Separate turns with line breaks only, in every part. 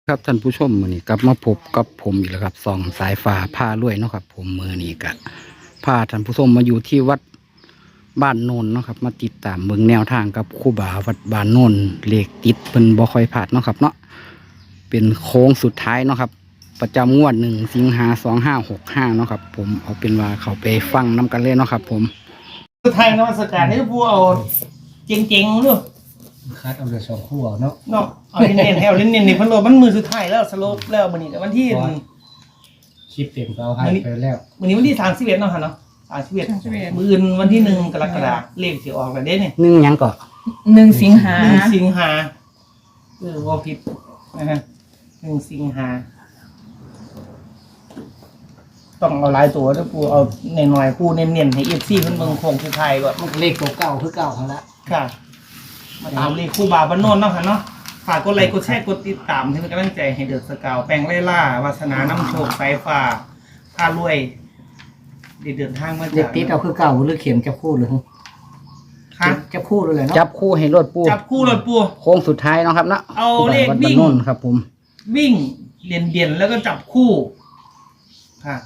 ครับท่านผู้ชมมื้อนี้กลับมาพบกับผมอีกแล้วครับส่องสายฟ้าผ้ารวยเนาะครับผมมื้อนี้ก็พาท่านผู้ชมมาอยู่ที่วัดบ้านโนนเนาะครับมาติดตามเบิ่งแนวทางกับครูบาวัดบ้านโนนเลขติดเพิ่นบ่ค่อยพลาดเนาะครับเนาะเป็นโค้งสุดท้ายเนาะครับประจำงวด1 สิงหาคม 2565เนาะครับผมเอาเป็นว่าเขาไปฟังนํกันเลยเนาะครับผม
ไทยนวัตกรรมนี่ผู้เอาเจ๋งๆด้วย
คัดเอาแต่2คู่เนาะ
เอาเน้นๆให้เอาเน้นๆนี่เพิ่นโลมันมือสุดท้ายแล้วสโลปแล้วมื้อนี้วันที่
คลิปเต็มเอาให้ไปแล้ว
มื้อนี้วันที่31เนาะค่ะเนาะ31มื้ออื่นวันที่1กรกฎาคมเลขสิออกแล้วเด้นี่
1หยังก็
1 สิงหา
1 สิงหาบ่ผิดนะฮะ1 สิงหาต้องเอาหลายตัวเด้อปู่เอาน้อยๆปู่เน้นๆให้ FC เพิ่นเบิ่งโคงสุดท้ายก่อน
มันเลขตัวเก่าคือเก่าหั่นละ
ค่ะมาตามเลขครูบาบ้านโนนเนาะค่ะเนาะฝากกดไลค์กดแชร์กดติดตามให้เป็นกำลังใจให้เดือดสกาวแปลงไล่ล่าวาสนาน้ำโชคสายฟ้าพารวยเดินทางมา
เล
จาก
ขติดเอาคือเก่าหรือเข็มจับคู่หรือ
ค่ะ
จับคู่เลยเนาะ
จับคู่ให้รถปู
จับคู่รถปู
โค้งสุดท้ายเนาะครับเนาะ
เอาเลขวิ่ง
ครับผม
วิ่งเด่นๆแล้วก็จับคู่ค่ะ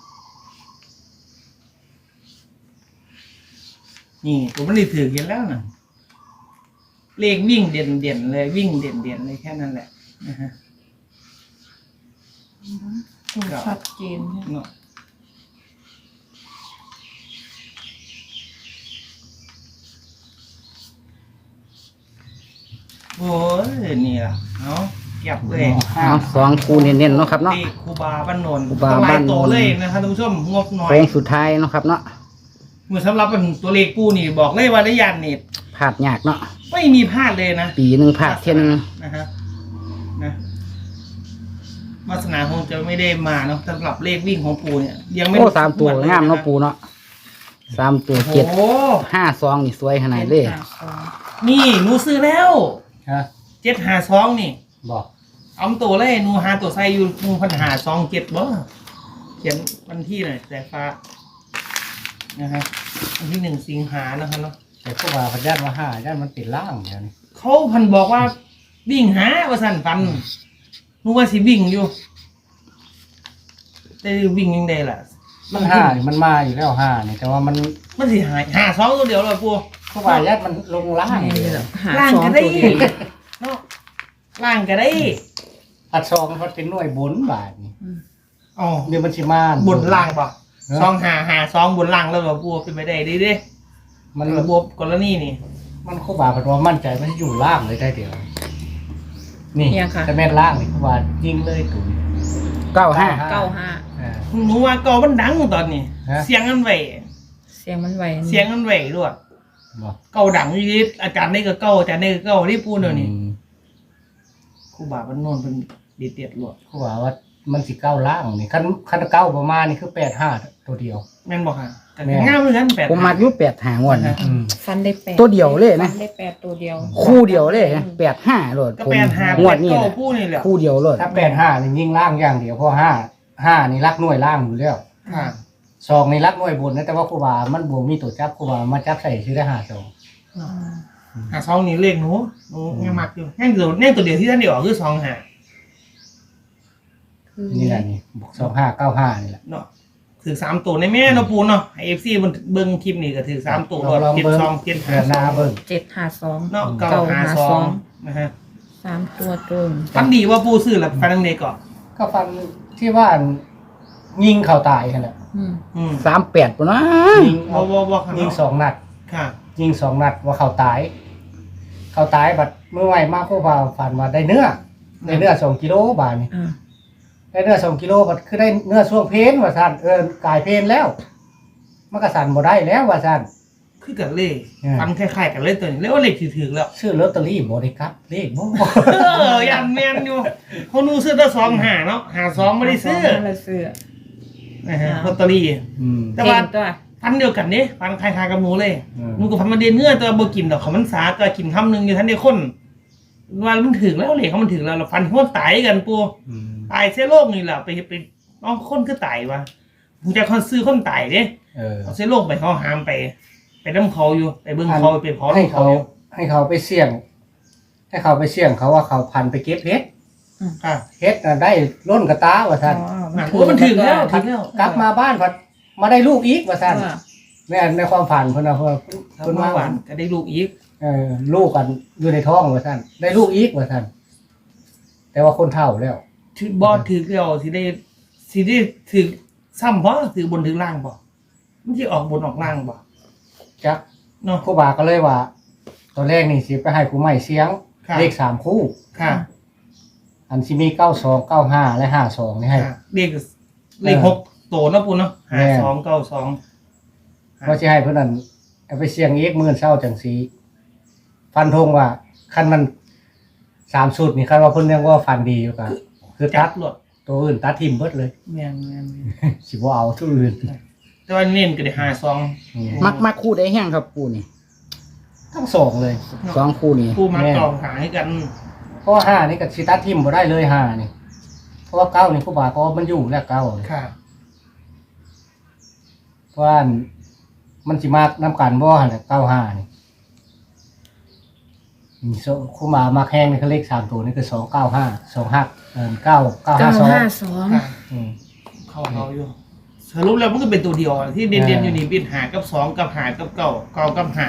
นี่ผมไม่ได้ถือกันแล้วนะเลขวิ่งเด่นๆเลยวิ่งเด่นๆเลยแค่นั้นแหละนะฮะ
ชัดเจน
เนาะโอ้ยนี่ล่ะเนาะเก็บเลย
2คู่เน้นๆเนาะครับเนาะ
ครูบาบ้านโนน
ครูบาบ้านโนน
เลยนะครับท่านผู้ชมงบน้อย
โค้งสุดท้ายเนาะครับเนาะ
เมื่อสำหรับตัวเลขปูนี่บอกเลยว่าระยะนี่
พลาดยากเนาะ
ไม่มีพลาดเลยนะ
ปีนึงพลาดเที่ยนึง
นะฮะนะวาสนาคงจะไม่ได้มาเนาะสำหรับเลขวิ่งของปูเนี่ยยังไม่
โอ้3ตัวงามเนาะปูเนาะ3ตัว7 5 2นี่สวยขนาดเลย
นี่หนูซื้อแล้ว
ฮะ
752นี่
บอก
เอาตัวเลยหนูหาตัวใส่อยู่หนูพันหา27บ่เขียนวันที่หน่อยสายฟ้านะฮะวันที่1 สิงหานะครับเนาะ
แต่พวกว่าพญาติว่า5ญาติมันติดล่างอย่างนี้
เขาพันบอกว่าวิ่งหาว่าสั่นฟันนึกว่าสิวิ่งอยู่แต่วิ่งยังไงล่ะ
มัน5มันมาอยู่แล้ว5นี่แต่ว่า
มันสิหา2ตัวเดียวเลยปู่
พวกว่าญาติมันลงล่าง
ล่างก็ได้เนาะล่างก็ได้
อัดซองเขาเป็นหน่วยบนบาทนี่
อ๋อ
เดี๋ยวมันสิมา
บนล่างป่ะ2 5 5 2บนล่างแล้วบ่ปู่เป็นไปได้ดิมันระบบกรณีนี่
มันครูบาเพิ่นว่ามั่นใจมันอยู่ล่างเลยได้เดียวนี่แต่แม่นล่างนี่ครูบายิงเลยตุ๋น
95
หนูว่าเก่ามันดังตอนนี้เสียงมันไหว
เสียงมันไหว
ด้วยเก่าดังอยู่อาจารย์นี่ก็เก่าอาจารย์นี่ก็เก่าที่พูดเดี๋ยวนี้ครูบาบ้านโนนเป็นเด็ดๆหลวด
ครูบาว่ามันสิเก้าล่างนี่คันเก้าประมาณนี่คือ85ตัวเดียว
แม่นบอกค่ะง่ายเหมือนกัน8
ผมมาอยู่85งวดนะ
ฟันได้8
ตัวเดียวเลยนะ
ได้8ตัวเดียว
คู่เดียวเลย85โลด
ผมงวดนี้
คู่เดียวโลด
ถ้า85นี่ยิงล่างอย่างเดียวเพราะ5นี่รักหน่วยล่างอยู่แล้ว2นี่รักหน่วยบนนะแต่ว่าครูบามันบ่มีตัวจับครูบามาจับใส่ชื่อได้
52นี่เลขหนูยังมักอยู่แน่ตัวเดียวที่ท่านได้ออกคือ25
นี่แหละนี่2595นี่แหละ
เนาะถือ3ตัวในแม่เนาะปูเนาะไอ้ FC มันเบิ่งคลิปนี่ก็ถือ3ตัว72
7หน้าเบิ่ง
752
เนาะ952นะฮะ
3ตัวตรง
ฟันดีว่าปูซื้อแล้วฟันจังได๋
ก็ฟันที่ว่ายิงเขาตายคั่นแหละ
38ปุ่นนะ
ยิง
ยิง2นัด
ค่ะ
ยิง2นัดว่าเขาตายบัดเมื่อไหร่มาครูบาฝันว่าได้เนื้อ2กิโลบาทนี่ได้เนื้อ2กิโลก็คือได้เนื้อช่วงเพนว่าซั่นกายเพนแล้วมันก็สั่นบ่ได้แล้วว่าซั่น
คือกันเลขฟันคล้ายๆกันเลยตัวนี้แล้วเลขถึกๆแล้ว
ซื้อลอตเตอรี่บ่ได้ครับเลขบ่
ยันแม่นอยู่เขานูซื้อแต่25เนาะ52บ่ได้ซื้อนะฮะลอตเตอรี่แต่ว่าพันเดียวกันเด้ฟันคล้ายๆกับหนูเลยหนูก็พันมาเดือนเนื้อแต่บ่กินดอกเขามันสาก็กินคำนึงอยู่ทันได้คนว่ามันถึงแล้วเลขเขามันถึงแล้วฟันหัวตายกันปู่ตายเสียโลกนี่แหละไปน้องคนคือตายวะผมจะคนซื้อคนตายเด้เอาเสียโลกไปเขาหามไปน้ำเขาอยู่ไปเบิ้งเขาไปเผา
ให้เขาไปเสี่ยงเขาว่าเขาพันไปเก็บเพชร
ค่ะ
เฮ็ดน่ะได้ล้นกระตาว่าซั่น
โอ้มันถึงแล้วถึงแล้ว
กลับมาบ้านพัดมาได้ลูกอีกว่าซั่น
ว่า
แม่นในความฝันเพิ่นน่ะเพิ่น
เพิ่นมาหวานก็ได้ลูกอีก
ลูกกันอยู่ในท้องว่าซั่นได้ลูกอีกว่าซั่นแต่ว่าคนเฒ่าแล้ว
ถือบอสถือแล้วสิได้ถือซ้ำบ่ถือบนถือล่างบ่มันสิออกบนออกล่างบ่
จัก
เนาะ
ครูบาก็เลยว่าตอนแรกนี่สิไปให้ครูใหม่เสียง
ค่ะ
เลข3คู่
ค่ะ
อันสิมี92 95และ52นี่ให้
ค่ะเลข6โตเนาะปู่เนาะ
แม่
5292
ว่าสิให้เพิ่นนั่นเอาไปเสียงอีกมื้อเช้าจังสีฟันธงว่าคันมัน3ชุดนี่คันว่าเพิ่นยังว่าฟันดีอยู่ก็คือ
จั
ตั
ด
ด
รถ
ตัวอื่นตัดทิ่มเบิดเลย
แม่น
สิบ่เอาตัวอื่น
แต่ว่าเน้นก็ได้52
มักคู่ได้แห้งครับปูนี่
ทั้งสองเลย
สองคู่นี่
ปู่มาเก่าหาให้กัน
เพราะว่า5นี่ก็สิตัดทิ่มบ่ได้เลย5นี่เพราะว่า9นี่ครูบาก็มันอยู่แล้ว9นี่
ค่ะ
เพราะว่ามันสิมากน้ำกันบ่หั่นแหละ95นี่มีโซครูบามาแข่งนี่คือเลข3ตัวนี่คือ295 25
952
ค่ะ
อืม
เข้าเขาอยู่สรุปแล้วมันก็เป็นตัวเดียวอะที่เด่นๆอยู่นี่เป็นหากับ2กับหากับเก่ากับหา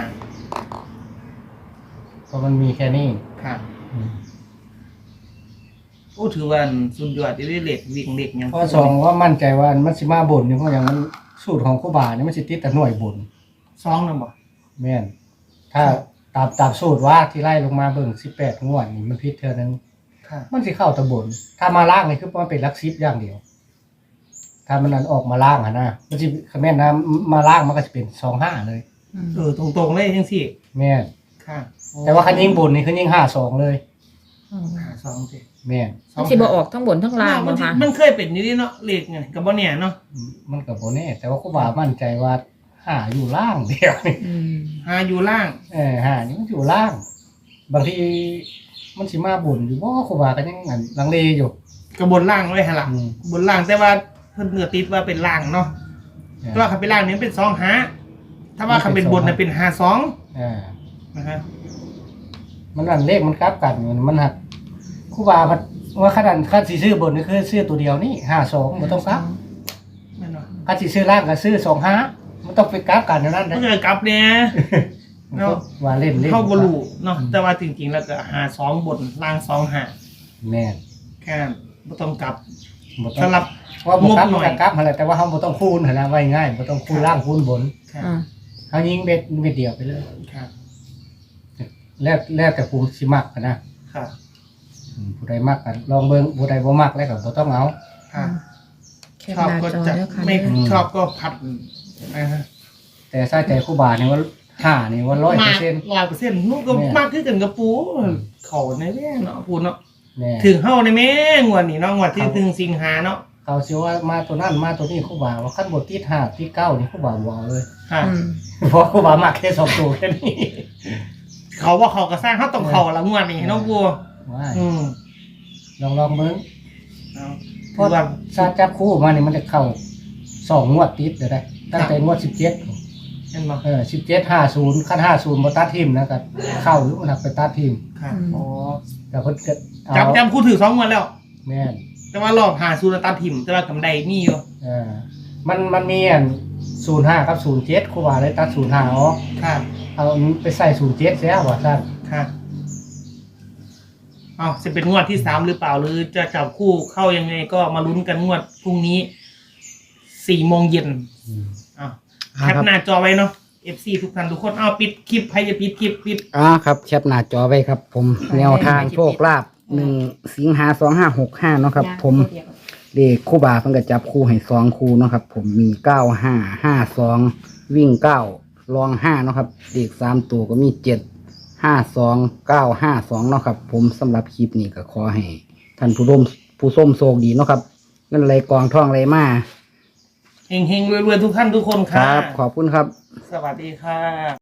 เพราะมันมีแค่นี้
ค่ะ
อืม
โอ้ถือว่าสุดยอดที่ได้เหล็กวิ่งเหล็กยัง
เพราะสองว่ามั่นใจว่ามันสิมาบ่นนี่เพราะอย่างมันสูตรของครูบานี่มันสิติดแต่หน่วยบ่น
2นำบ่
แม่นถ้าตามสูตรว่าที่ไล่ลงมาเบิ่ง18งวดนี่มันผิดเท่านึง
ค่ะ
มันสิเข้าแตะบน ถ้ามาล่างนี่คือมันเป็นหลัก10อย่างเดียว ถ้ามันนั้นออกมาล่างนะมันสิแม่นนะมาล่างมันก็สิเป็น25เลย
ตรงๆเลยจังซี่
แม่น
ค่ะ
แต่ว่าคันยิงบนนี่คือยิง52เลย
หา2สิ
แม่น
มันสิบ่ออกทั้งบนทั้งล่าง
มั
บ่คะ
มันเคยเป็นอยู่นี่เนาะเหล็กไงก็บ่แน่เนาะ
มันก็บ่แน่แต่ว่าครูบามั่นใจว่าหาอยู่ล่างเดียวนี่
หาอยู่ล่าง
หานี่มันอยู่ล่าง บางทีมันสิมาบ่นอยู่บ่ครูบาก็ยังอันลังเลอยู่
ก็บนล่างไว้หั่นล่ะ
อืม
บนล่างแต่ว่าเพิ่นเนื้อติดว่าเป็นล่างเนาะแต่ว่าคันเป็นล่างนี่เป็น2หาถ้าว่าคันเป็นบนน่ะเป็น52
อ่า
นะฮะ
มันอันเลขมันกลับกันมันหักครูบาพัดว่าขนาดคันสิซื้อบนนี่คือซื้อตัวเดียวนี่52บ่ต้องกลับ
แม่นบ่
คันสิซื้อล่างก็ซื้อ25มันต้องไปกลับกันเท่านั้น
มัน
นะ
ก็กลับเนี่ย
มันก็ว่าเล่น
เข้าบรูเนาะแต่ว่าจริงๆแล้วก็หา2บนล่าง2หา
แม่น
แค่นั้นบ่ต้องกลับ
บ่ต้
ส
อง
ลับ
ว่าบ่กลับ
งบหน่
มัน
อย
ก็กลับหั่นแหละแต่ว่าเฮาบ่ต้องคูณหั่นนะไว้ง่ายบ่ต้องคูณล่างคูณบน
ค่ะ
เฮายิงเม็ดเดียวไปเลย
ค่ะ
แล้วแต่ผู้สิมักอะนะ
ค่ะ
ผู้ใดมักก็ลองเบิ่งผู้ใดบ่มักแล้วก็บ่ต้องเอา
ค่ะ
แคป
ชอบ
หน้า
ก็
จอ
จัด
เด้อค่ะ
ไม่
เด้อ
ชอบก็พัดนะฮะ
แต่ใส่ใจครูบานี่ว่า5นี่ว่า
มา
100%
100%นุ่นก็
แม่
มากขึ้นกันกับปูเขาในแม่เนาะปูเนาะ
แน่
ถึงเฮาในแม่งวดนี้เนาะงวดที่ถึงสิงหาเนาะ
เขาสิว่ามาตัวนั้นมาตัวนี้ครูบาว่าคันบ่ติด5ติด9นี่ครูบาบ่เอาเลย
ค่ะ
เพราะครูบามักแค่2ตัวแค่นี้
เขาว่าเขาก็สร้างเฮาต้องเขาละงวดนี้เนาะปู
ว่า
อืม
ลองเบิ่ง
เอา
เพราะว่าซาจับคู่มานี่มันจะเข้า2งวดติดเด้อได้ตั้งแต่งวด17
เห็นบ่
17 50คัน50บ่ตัดทิ่มนะก็เข้าอยู่นะไปตัดทิ่ม
ค่ะอ๋อ
แต่เพิ่นก็เอา
จำคู่ถือ2งวดแล้ว
แม่น
แต่ว่ารอบหาสูตรตัดถิ่มแต่ว่ากำไรมีอยู่
มันมีอัน05กับ07ครูบาเลยตัด05ออก
ค่ะ
เอาไปใส่07เสียว่าซั่น
ค่ะเอาจะเป็นงวดที่3หรือเปล่าหรือจะจับคู่เข้ายังไงก็มาลุ้นกันงวดพรุ่งนี้4 โมงเย็นเอาแคปหน้าจอไว้เนาะ FC ทุกท่านทุกคนเอาปิดคลิปใครจะปิดคลิปปิด
ครับแคปหน้าจอไว้ครับ ผมแนวทางโชคลาภ1 สิงหา 2565เนาะครับ ผมเลขคู่บาเพิ่นก็จับคู่ให้2คู่เนาะครับ ผมมี9552วิ่ง9รอง5เนาะครับเลข3ตัวก็มี752 952เนาะครับ ผมสำหรับคลิปนี้ก็ขอให้ท่านผู้ชมโชคดีเนาะครับเงินไหลกองทองไหลมา
เฮงๆรวยๆทุกท่านทุกคน
ค
ค่ะ
รับ ขอบคุณครับ
สวัสดีค่ะ